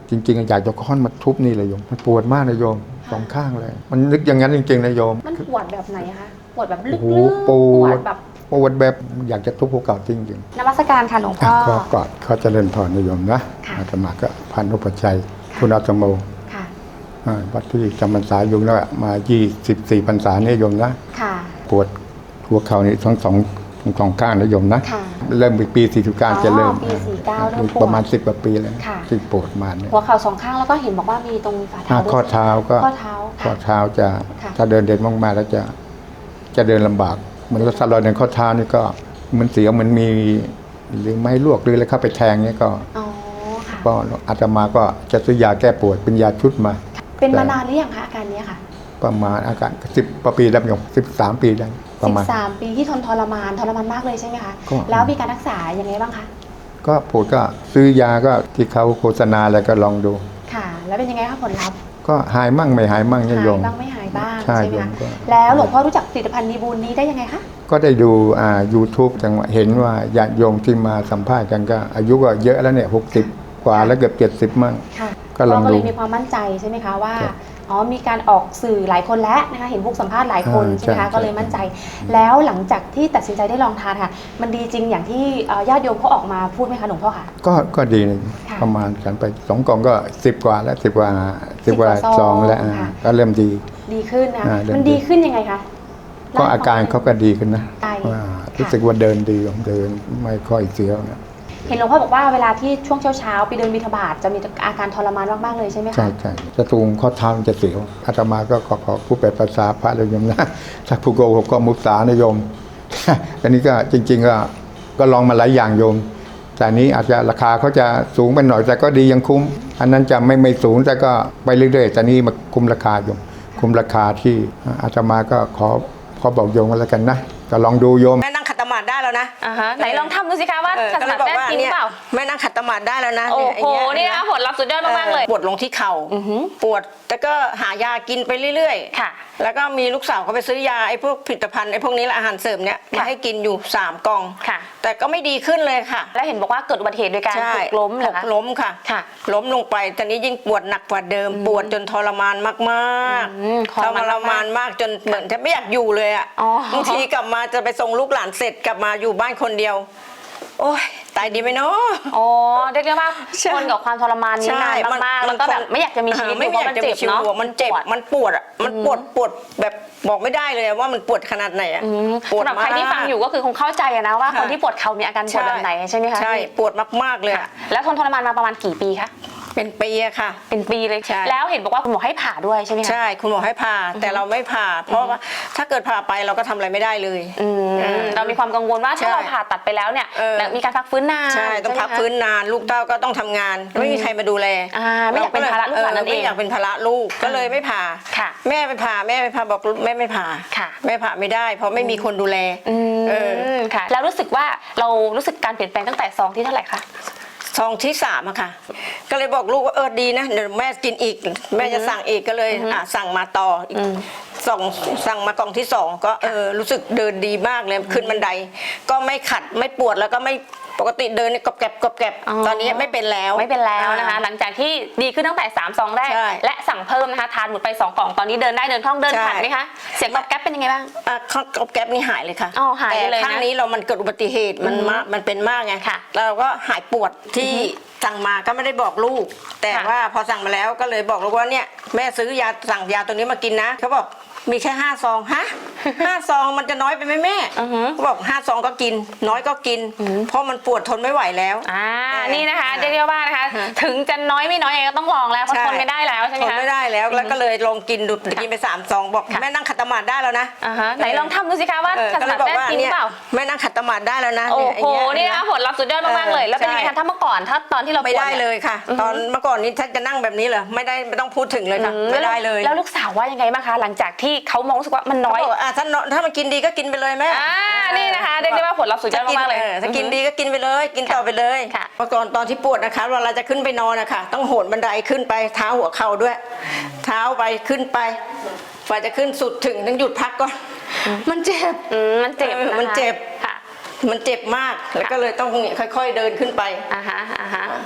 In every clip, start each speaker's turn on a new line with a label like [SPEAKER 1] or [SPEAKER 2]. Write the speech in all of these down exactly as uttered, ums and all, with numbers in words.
[SPEAKER 1] จริงๆอยากจะค้อนมาทุบนี่เลยโยมมันปวดมากนะโยมสองข้างเลยมันนึกอย่างนั้นจริงๆนะโยม
[SPEAKER 2] มันปวดแบบไหนคะปวดแบบลึก
[SPEAKER 1] โอ้
[SPEAKER 2] ๆ
[SPEAKER 1] โหปวด
[SPEAKER 2] แบบ
[SPEAKER 1] ปวดแบบอยากจะทุบภูเขาจริงๆ
[SPEAKER 2] นมัสการค่ะหลวงพ่อ
[SPEAKER 1] ก็กอดเขาเจริญพรนะโยมนะอาตมาก็พันธุปชัยคุณอาตโมวัดที่จำพรรษาอยู่แล้วมายี่สิบสี่พรรษาเนี่ยโยมนะปวดหัวเข่านี่ทั้งสองทั้งสองข้างนะโยมนะเริ่มปีสี่สิบเก้าจะเริ่มประมาณสิบกว่าปีแล้วที่ปวดมาเนี่ย
[SPEAKER 2] หัวเข่าสองข้างแล้วก็เห็นบอกว่ามีตรงฝ่าเท้า
[SPEAKER 1] ข้อเท้าก็ข้อเท้าข้อเท้าจะถ้าเดินเด่นมากๆแล้วจะจะเดินลำบากเหมือนรถสลอยในข้อเท้านี่ก็มันเสียวมันมีหรือไม้ลวกหรืออะไรเข้าไปแทงเนี่ยก็ก็อาตมาก็จะซื้อยาแก้ปวดเป็นยาชุดมา
[SPEAKER 2] เป็นมานานหรือยังคะอาการนี้ค่ะ
[SPEAKER 1] ประมาณอาการสิบปีแล้วโยมสิบสามปีได้ประมาณ
[SPEAKER 2] สิบสามปีที่ทนทรมานทรมานมากเลยใช่ไหมคะแล้วมีการรักษายังไงบ้างคะ
[SPEAKER 1] ก็ปวดก็ซื้อยาก็ที่เขาโฆษณาอะไรก็ลองดู
[SPEAKER 2] ค่ะแล้วเป็นยังไงคะผลลัพธ์
[SPEAKER 1] ก็หายมั่งไม่หายมั่งเนี่ยโยม
[SPEAKER 2] หายบ้างไม่หายบ้างใช่ไหมคะแล้วหลวงพ่อรู้จักผลิตภัณฑ์ดีบูลนี้ได้ยังไงคะ
[SPEAKER 1] ก็ได้ดูอ่า ยูทูบ จังหวะเห็นว่าญาติโยมที่มาสัมภาษณ์กันก็อายุก็เยอะแล้วเนี่ยหกสิบกว่าแล้วเกือบเจ็ดสิบมั่ง
[SPEAKER 2] ก็ลองดูก็เลยมีความมั่นใจใช่ไหมคะว่าอ๋อมีการออกสื่อหลายคนแล้วนะคะเห็นพวกสัมภาษณ์หลายคนใช่ไหมคะก็เลยมั่นใจแล้วหลังจากที่ตัดสินใจได้ลองทานค่ะมันดีจริงอย่างที่ญาติโยมเขาออกมาพูดไหมคะหลวงพ่อคะ
[SPEAKER 1] ก็ก็ดีประมาณฉันไปสองกล่องก็สิบกว่าแล้วสิบกว่าสิบกว่าซองแล้วก็เริ่มดี
[SPEAKER 2] ดีขึ้นนะมันดีขึ้นยังไงคะ
[SPEAKER 1] ก็อาการเขาก็ดีขึ้นนะรู้สึกว่าเดินดีเดินไม่ค่อยเสียวนะ
[SPEAKER 2] เห็นหลวงพ่อบอกว่าเวลาที่ช่วงเช้าๆไปเดินบิณฑบาตจะมีอาการทรมานมากๆเลยใช่ไหมคะ
[SPEAKER 1] ใช่ใช่จะตูงข้อเท้าจะเสียวอาตมาก็ขอขอผู้แปลภาษาพระเลยโยมนะถ้าผู้โกหกก็มุสานะโยมอันนี้ก็จริงๆก็ก็ลองมาหลายอย่างโยมแต่นี้อาจจะราคาเขาจะสูงไปหน่อยแต่ก็ดียังคุ้มอันนั้นจะไม่ไม่สูงแต่ก็ไปเรื่อยๆแต่นี้มาคุ้มราคาโยมคุ้มราคาที่อาตมาก็ขอขอบอกโยมกันแล้วกันนะก็ลองดูโยม
[SPEAKER 3] แม่นั่งขัดสมาธิได้แล้วนะ
[SPEAKER 2] ไหนลองทำดูสิคะว่าขัดสมาธิได้จริงเปล่า
[SPEAKER 3] แม่นั่งขัดสมาธิได้แล้วนะ
[SPEAKER 2] โอ้โหนี่นะผลลัพธ์สุดยอดมากๆเลย
[SPEAKER 3] ปวดลงที่เข่าปวดแต่ก็หายากินไปเรื่อยๆค่ะแล้วก็มีลูกสาวเขาไปซื้อยาไอ้พวกผลิตภัณฑ์ไอ้พวกนี้แหละอาหารเสริมเนี้ยมาให้กินอยู่สามกล่องค่ะแต่ก็ไม่ดีขึ้นเลยค่ะ
[SPEAKER 2] แล้วเห็นบอกว่าเกิดอุบัติเหตุโดยการหกล้มเหรอคะ
[SPEAKER 3] ล้มค่ะล้มลงไปตอนนี้ยิ่งปวดหนักกว่าเดิมปวดจนทรมานมากๆทรมานมากจนเหมือนแทบไม่อยากอยู่เลยอ่ะบางทีกลับมาจะไปส่งลูกหลานเสร็จกลับมาอยู่บ้านคนเดียวโอ้ยตายดีไหมเนาะ
[SPEAKER 2] อ๋อเรียกได้ว่าทนกับความทรมานนี้นานมากๆแล้วก็แบบไม่อยากจะมีชีวิต
[SPEAKER 3] ไม่อยากจะมีชีวิตมันเจ็บมันปวดอ่ะมันปวดปวดแบบบอกไม่ได้เลยว่ามันปวดขนาดไหนอ่ะ
[SPEAKER 2] ปวดมากสำหรับใครที่ฟังอยู่ก็คือคงเข้าใจนะว่าคนที่ปวดเข่ามีอาการปวดแบบไหนใช่ไหมคะ
[SPEAKER 3] ใช่ปวดมากๆเลย
[SPEAKER 2] แล้วทนทรมานมาประมาณกี่ปีคะ
[SPEAKER 3] เป็นปีอะค่ะ
[SPEAKER 2] เป็นปีเลยแล้วเห็นบอกว่าคุณหมอให้ผ่าด้วยใช่ไหมคะ
[SPEAKER 3] ใช่คุณหมอให้ผ่าแต่เราไม่ผ่าเพราะว่าถ้าเกิดผ่าไปเราก็ทำอะไรไม่ได้เลย
[SPEAKER 2] เรามีความกังวลว่าถ้าเราผ่าตัดไปแล้วเนี่ยมีการพักฟื้นนาน
[SPEAKER 3] ใช่ต้องพักฟื้นนานลูกเต้าก็ต้องทำงานไม่มีใครมาดูแล
[SPEAKER 2] ไม่อยากเป็นภาระลูกหลานนั่นเอง
[SPEAKER 3] ไม่อยากเป็นภาระลูกก็เลยไม่ผ่าแม่ไปผ่าแม่ไปผ่าบอกแม่ไม่ผ่าแม่ผ่าไม่ได้เพราะไม่มีคนดูแล
[SPEAKER 2] แล้วรู้สึกว่าเรารู้สึกการเปลี่ยนแปลงตั้งแต่ซองที่เท่าไหร่คะ
[SPEAKER 3] ซองที่สามอะค่ะก็เลยบอกลูกว่าเออดีนะเดี๋ยวแม่กินอีกแม่จะสั่งอีกก็เลยอ่ะสั่งมาต่ออีกสองสั่งมากล่องที่สองก็เออรู้สึกเดินดีมากเลยขึ้นบันไดก็ไม่ขัดไม่ปวดแล้วก็ไม่ปกติเดินกรอบแกรบกรอบแกรบตอนนี้ไม่เป็นแล้ว
[SPEAKER 2] ไม่เป็นแล้วนะคะหลังจากที่ดีขึ้นตั้งแต่สามซองแรกและสั่งเพิ่มนะคะทานหมดไปสองกล่องตอนนี้เดินได้เดินคล่องเดินขัดไหมคะเสียงกรอบแกรบเป็นยังไงบ้าง
[SPEAKER 3] อ่ะกรอบแกรบนี่หายเลยค่ะ
[SPEAKER 2] อ๋อหายเลยนะ
[SPEAKER 3] แต่ครั้งนี้เรามันเกิดอุบัติเหตุมันมากมันเป็นมากไงเราก็หายปวดที่สั่งมาก็ไม่ได้บอกลูกแต่ว่าพอสั่งมาแล้วก็เลยบอกลูกว่าเนี่ยแม่ซื้อยาสั่งยาตัวนี้มากินนะเขาบอกมีแค่ห้าซองฮะห้าซองมันจะน้อยไปไหมแม่เขาบอกห้าซองก็กินน้อยก็กินเพราะมันปวดทนไม่ไหวแล้ว
[SPEAKER 2] อ่านี่นะคะเรียกว่านะคะถึงจะน้อยไม่น้อยยังไงก็ต้องลองแล้วเพราะทนไม่ได้แล้วใช่ไหมคะ
[SPEAKER 3] ทนไม่ได้แล้วแล้วก็เลยลองกินดูกินไปสามซองบอกแม่นั่งขัดสมาธิได้แล้วนะ
[SPEAKER 2] ไหนลองทำดูสิคะว่าขัดสมาธิได้จริงเปล่า
[SPEAKER 3] แม่นั่งขัดสมาธิได้แล้วนะ
[SPEAKER 2] โอ้โหนี่นะผลลัพธ์สุดยอดมากๆเลยแล้วเป็นยังไงคะถ้าเมื่อก่อนถ้าตอนที่เรา
[SPEAKER 3] ไม่ได้เลยค่ะตอนเมื่อก่อนนี้ถ้าจะนั่งแบบนี้เหรอไม่ได้ไม่ต้องพูดถึงเลยค่ะไม่ได้เลย
[SPEAKER 2] แล้วลูกสาวว่ายังไงบ้างคะหลังจากที่เขามองรู้สึกว่ามันน้อย
[SPEAKER 3] อ่ะถ้าถ้ามันกินดีก็กินไปเลยแม่
[SPEAKER 2] อ่านี่นะคะเรียกได้ว่าผลลัพธ์สุดยอดมากเลย
[SPEAKER 3] ถ้ากินดีก็กินไปเลยกินต่อไปเลยเมื่อก่อนตอนที่ปวดนะคะเวลาจะขึ้นไปนอนนะคะต้องโหนบันไดขึ้นไปเท้าหัวเข่าด้วยเท้าไปขึ้นไปกว่าจะขึ้นสุดถึงต้องหยุดพักก่อนมันเจ็บ
[SPEAKER 2] มันเจ็บ
[SPEAKER 3] มันเจ็บมันเจ็บมากแล้วก็เลยต้องค่อยๆเดินขึ้นไป
[SPEAKER 2] อ่าฮะอ่าฮะ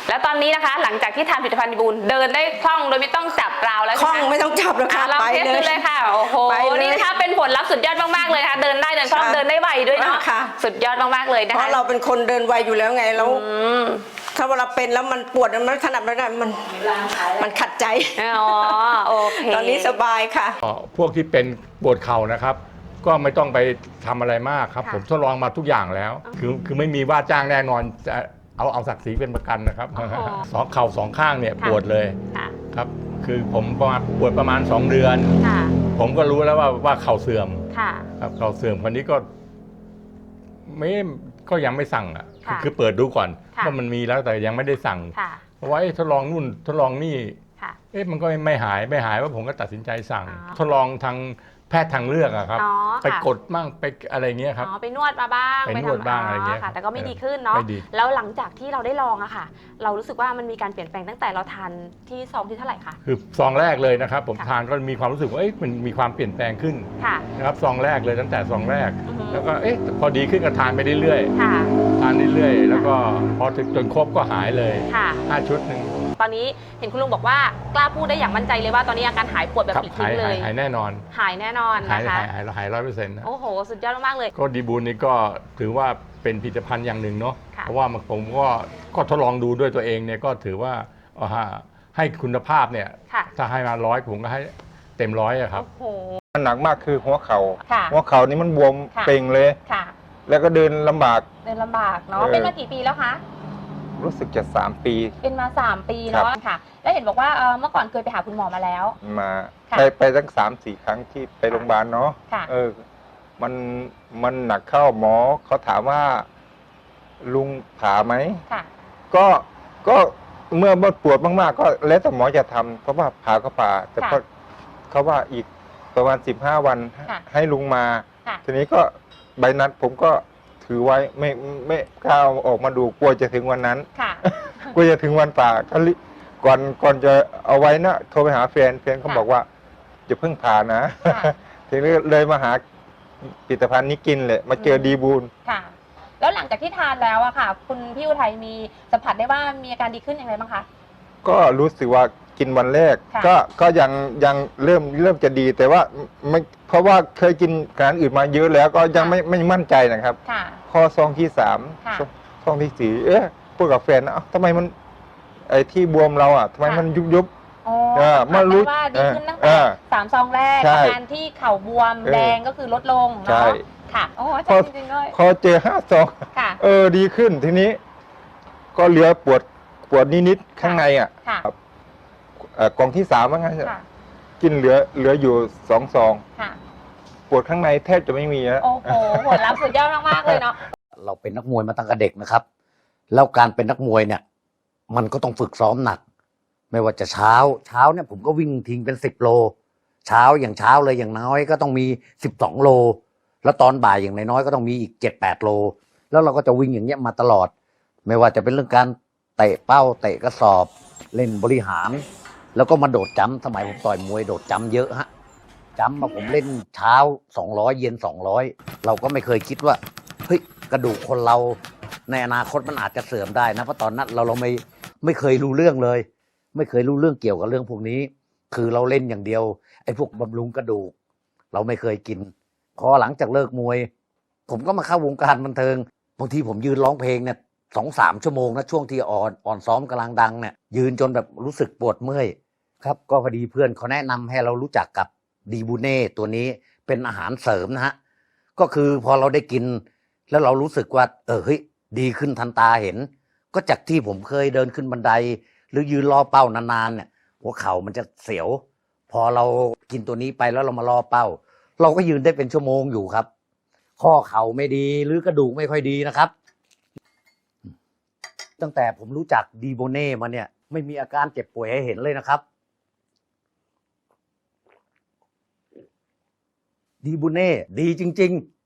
[SPEAKER 2] แล้วตอนนี้นะคะหลังจากที่ทานผลิตภัณฑ์ดีบูลเดินได้คล่องโดยไม่ต้องจับราวแล้ว
[SPEAKER 3] คล่อง
[SPEAKER 2] ใช่ไหม
[SPEAKER 3] ไม่ต้องจับแล้วค่ะ
[SPEAKER 2] อ่ะลอง
[SPEAKER 3] ไป
[SPEAKER 2] เทส
[SPEAKER 3] เล
[SPEAKER 2] ดู
[SPEAKER 3] ย
[SPEAKER 2] เลยค่ะโอ้โห
[SPEAKER 3] ไปเลย
[SPEAKER 2] นี่นะคะเป็นผลลัพธ์สุดยอดมากๆเลยค่ะเดินได้เดินคล่อง
[SPEAKER 3] ค่ะ
[SPEAKER 2] เดินได้ไวด้วยเนาะ
[SPEAKER 3] ค่ะ
[SPEAKER 2] สุดยอดมากๆเลยนะ
[SPEAKER 3] เพ
[SPEAKER 2] คะ
[SPEAKER 3] ราะเราเป็นคนเดินไวอยู่แล้วไงแล้ว
[SPEAKER 2] อืม
[SPEAKER 3] ถ้าเวลาเป็นแล้วมันปวดมันไม่ถนัดไม่ได้มันมันขัดใจ
[SPEAKER 2] อ๋อโอเค
[SPEAKER 3] ตอนนี้สบายค่ะ
[SPEAKER 4] ก็พวกที่เป็นปวดเข่านะครับ ก็ไม่ต้องไปทำอะไรมากครับ
[SPEAKER 2] ค่ะ
[SPEAKER 4] ผมทดลองมาทุกอย่างแล้ว คือคือไม่มีว่าจ้างแน่นอนจะเอาเอาศักดิ์ศรีเป็นประกันนะครับ
[SPEAKER 2] โอ้โห
[SPEAKER 4] สองเข่าสองข้างเนี่ย
[SPEAKER 2] ค่ะ
[SPEAKER 4] ปวดเลย
[SPEAKER 2] ค่ะ
[SPEAKER 4] ครับ คือผมประมาณปวดประมาณ สอง เดือน
[SPEAKER 2] ค่ะ
[SPEAKER 4] ผมก็รู้แล้วว่าว่าเข่าเสื่อม
[SPEAKER 2] ค่ะ
[SPEAKER 4] ครับเข่าเสื่อมคนนี้ก็ไม่ก็ยังไม่สั่งอ่ะคือ
[SPEAKER 2] ค่ะ
[SPEAKER 4] คือเปิดดูก่อน
[SPEAKER 2] ค่ะ
[SPEAKER 4] ว่ามันมีแล้วแต่ยังไม่ได้สั่ง
[SPEAKER 2] ค่ะ
[SPEAKER 4] เพราะว่าเอ๊ะทดลองนู่นทดลองนี่
[SPEAKER 2] ค่ะ
[SPEAKER 4] เอ๊ะมันก็ไม่หายไม่หายว่าผมก็ตัดสินใจสั่ง
[SPEAKER 2] อ๋อ
[SPEAKER 4] ทดลองทางแพทย์ทางเลือกอะครับ
[SPEAKER 2] อ๋อ
[SPEAKER 4] ไป
[SPEAKER 2] ค่ะ
[SPEAKER 4] กดบ้างไปอะไรเงี้ยครับ
[SPEAKER 2] อ๋อไปนวดมาบ้าง
[SPEAKER 4] ไปนวด
[SPEAKER 2] ทำ
[SPEAKER 4] บ้างอะไรเงี้ย
[SPEAKER 2] ค่ะ แต่ก็ไม่
[SPEAKER 4] เออ
[SPEAKER 2] ดีขึ้นเนาะ
[SPEAKER 4] ไม่ดี
[SPEAKER 2] แล้วหลังจากที่เราได้ลองอะค่ะ เรารู้สึกว่ามันมีการเปลี่ยนแปลงตั้งแต่เราทานที่ซองที่เท่าไหร่คะ
[SPEAKER 4] คือซองแรกเลยนะครับ ผม
[SPEAKER 2] ค่ะ
[SPEAKER 4] ทานก็มีความรู้สึกว่าเอ๊ะมันมีความเปลี่ยนแปลงขึ้น
[SPEAKER 2] ค่ะ
[SPEAKER 4] นะครับซองแรกเลยตั้งแต่ซองแรก
[SPEAKER 2] อือฮึ
[SPEAKER 4] แล้วก็เอ๊ะพอดีขึ้นก็ทานไปเรื่อย
[SPEAKER 2] ค่ะ
[SPEAKER 4] ๆทานเรื่อยๆแล้วก็พอถึงจนครบก็หายเลย
[SPEAKER 2] ค่ะ
[SPEAKER 4] ห้าชุดหนึ่ง
[SPEAKER 2] ตอนนี้เห็นคุณลุงบอกว่ากล้าพูดได้อย่างมั่นใจเลยว่าตอนนี้อาการหายปวดแบบ
[SPEAKER 4] ครับ
[SPEAKER 2] ปลิด
[SPEAKER 4] หา
[SPEAKER 2] ทิ้
[SPEAKER 4] ย
[SPEAKER 2] งเล
[SPEAKER 4] หาย
[SPEAKER 2] ย
[SPEAKER 4] หายแน่นอน
[SPEAKER 2] หายแน่นอน
[SPEAKER 4] หาย
[SPEAKER 2] นะคะ
[SPEAKER 4] หายหายหายร้อยเปอร์เซ็นต์นะ
[SPEAKER 2] โอ้โห สุดยอดมากๆเลย
[SPEAKER 4] ก็ดีบูลนี่ก็ถือว่าเป็นผลิตภัณฑ์อย่างหนึ่งเนาะ
[SPEAKER 2] ค่ะ
[SPEAKER 4] เพราะว่ามันผมก็ก็ทดลองดูด้วยตัวเองเนี่ยก็ถือว่าเอาฮะให้คุณภาพเนี่ย
[SPEAKER 2] ค่ะ
[SPEAKER 4] ถ้าให้มาร้อยผมก็ให้เต็มร้อยอะครับ
[SPEAKER 2] โอ้โห
[SPEAKER 1] หนักมากคือหัวเขา
[SPEAKER 2] ค่ะ
[SPEAKER 1] หัวเข่านี่มันบวม
[SPEAKER 2] ค่ะ
[SPEAKER 1] เป่งเลย
[SPEAKER 2] ค่ะ
[SPEAKER 1] แล้วก็เดินลำบาก
[SPEAKER 2] เดินลำบากเนาะ
[SPEAKER 1] เออ
[SPEAKER 2] เป็นมากี่ปีแล้วคะ
[SPEAKER 1] รู้สึกจะสามปี
[SPEAKER 2] เป็นมาสามปี
[SPEAKER 1] ครั
[SPEAKER 2] เนาะ
[SPEAKER 1] บ
[SPEAKER 2] ค่ะ แล้วเห็นบอกว่าเอ่อเมื่อก่อนเคยไปหาคุณหมอมาแล้ว
[SPEAKER 1] มา
[SPEAKER 2] ค่ะ
[SPEAKER 1] ไปไปตั้งสามสี่ครั้งที่ไปโรงพยาบาลเนาะ
[SPEAKER 2] ค่ะ
[SPEAKER 1] เออ มันมันหนักเข้าหมอเขาถามว่า ลุงผ่าไหม
[SPEAKER 2] ค่ะ
[SPEAKER 1] ก็ก็เมื่อปวดมากๆ ก็แล้วแต่หมอจะทำเพราะว่าผ่าก็ผ่า แต่
[SPEAKER 2] ค่ะ
[SPEAKER 1] พอเขาว่าอีกประมาณสิบห้าวัน
[SPEAKER 2] ค่ะ
[SPEAKER 1] ให้ลุงมา
[SPEAKER 2] ค่ะ
[SPEAKER 1] ทีนี้ก็ใบนัดผมก็ถือไว้ไม่ไม่กล้าเอาออกมาดูกลัวจะถึงวันนั้น
[SPEAKER 2] ค่ะ
[SPEAKER 1] กลัวจะถึงวันป่าก็รีก่อนก่อนจะเอาไว้นะโทรไปหาแฟนแฟนเขา
[SPEAKER 2] ค่ะ
[SPEAKER 1] บอกว่าจะเพิ่งผ่านะ
[SPEAKER 2] ค่ะ
[SPEAKER 1] ทีนี้เลยมาหาผลิตภัณฑ์นี้กินเลยมาเจอ
[SPEAKER 2] อืม
[SPEAKER 1] ดีบูล
[SPEAKER 2] ค่ะ แล้วหลังจากที่ทานแล้วอะค่ะ คุณพี่อุทัยมีสัมผัสได้ว่ามีอาการดีขึ้นอย่างไรบ้างคะ
[SPEAKER 1] ก็รู้สึกว่ากินวันแรก
[SPEAKER 2] ค่ะ
[SPEAKER 1] ก็ก็ยังยังเริ่มเริ่มจะดีแต่ว่าไม่เพราะว่าเคยกินอาหารอื่นมาเยอะแล้วก็ยังไม่ไม่มั่นใจนะครับ
[SPEAKER 2] ค่ะ
[SPEAKER 1] ข้อซองที่สาม
[SPEAKER 2] ค่ะ
[SPEAKER 1] ซองซองที่สี่เอ๊ะพูดกับแฟนนะเอ้าทำไมมันไอ้ที่บวมเราอ่ะทำไม
[SPEAKER 2] ค่ะ
[SPEAKER 1] มันยุบยุบ
[SPEAKER 2] อ๋อ
[SPEAKER 1] เออ
[SPEAKER 2] สัมผัส
[SPEAKER 1] เมื่อรู้
[SPEAKER 2] ได้ว่าดีขึ้นตั้ง
[SPEAKER 1] เอ
[SPEAKER 2] แต่
[SPEAKER 1] อ
[SPEAKER 2] สามซองแรก
[SPEAKER 1] ใช่
[SPEAKER 2] อาการที่เข่าบวม
[SPEAKER 1] เออ
[SPEAKER 2] แดงก็คือลดลง
[SPEAKER 1] ใช่
[SPEAKER 2] เนาะค่ะ โอ้อา
[SPEAKER 1] พ
[SPEAKER 2] จา
[SPEAKER 1] อ
[SPEAKER 2] รย์จริงๆเลย
[SPEAKER 1] พอเจอห้าซอง
[SPEAKER 2] ค่ะ
[SPEAKER 1] เออดีขึ้นทีนี้ ก็เหลือปวดปวดนิดๆข้างในอ่ะ
[SPEAKER 2] ค่ะ
[SPEAKER 1] เอ่อกล่องที่สามว่างั้น
[SPEAKER 2] ค่ะ
[SPEAKER 1] กินเหลือเหลืออยู่สองซอง
[SPEAKER 2] ค่ะ
[SPEAKER 1] ปวดข้างในแทบจะไม่มีแล้ว
[SPEAKER 2] โอ้โหผลลัพธ์สุดยอดมากๆเลยเนาะ
[SPEAKER 5] เราเป็นนักมวยมาตั้งแต่เด็กนะครับ แล้วการเป็นนักมวยเนี่ย มันก็ต้องฝึกซ้อมหนัก ไม่ว่าจะเช้า เช้าเนี่ยผมก็วิ่งทิ้งเป็นสิบโล เช้าอย่างเช้าเลยอย่างน้อยก็ต้องมีสิบสองโล แล้วตอนบ่ายอย่างน้อยๆก็ต้องมีอีกเจ็ดแปดโล แล้วเราก็จะวิ่งอย่างเงี้ยมาตลอด ไม่ว่าจะเป็นเรื่องการเตะเป้าเตะกระสอบ เล่นบริหาร แล้วก็มาโดดจัมป์สมัยผมต่อยมวยโดดจัมป์เยอะฮะ จัมป์มาผมเล่นเช้าสองร้อยเย็นสองร้อยเราก็ไม่เคยคิดว่าเฮ้ยกระดูกคนเราในอนาคตมันอาจจะเสื่อมได้นะเพราะตอนนั้นเราเราไม่ไม่เคยรู้เรื่องเลย ไม่เคยรู้เรื่องเกี่ยวกับเรื่องพวกนี้ คือเราเล่นอย่างเดียวไอ้พวกบำรุงกระดูก เราไม่เคยกิน พอหลังจากเลิกมวย ผมก็มาเข้าวงการบันเทิงบางทีผมยืนร้องเพลงเนี่ยสองสามชั่วโมงนะช่วงที่อ่อนอ่อนซ้อมกำลังดังเนี่ยยืนจนแบบรู้สึกปวดเมื่อยครับก็พอดีเพื่อนเขาแนะนำให้เรารู้จักกับดีบูเน่ตัวนี้เป็นอาหารเสริมนะฮะก็คือพอเราได้กิน แล้วเรารู้สึกว่าเออเฮ้ยดีขึ้นทันตาเห็น ก็จากที่ผมเคยเดินขึ้นบันได หรือยืนรอเป้านานๆเนี่ยหัวเข่ามันจะเสียว พอเรากินตัวนี้ไปแล้วเรามารอเป้า เราก็ยืนได้เป็นชั่วโมงอยู่ครับ ข้อเข่าไม่ดีหรือกระดูกไม่ค่อยดีนะครับ ตั้งแต่ผมรู้จักดีโบเน่มาเนี่ย ไม่มีอาการเจ็บป่วยให้เห็นเลยนะครับ ดีโบเน่ดีจริง ๆ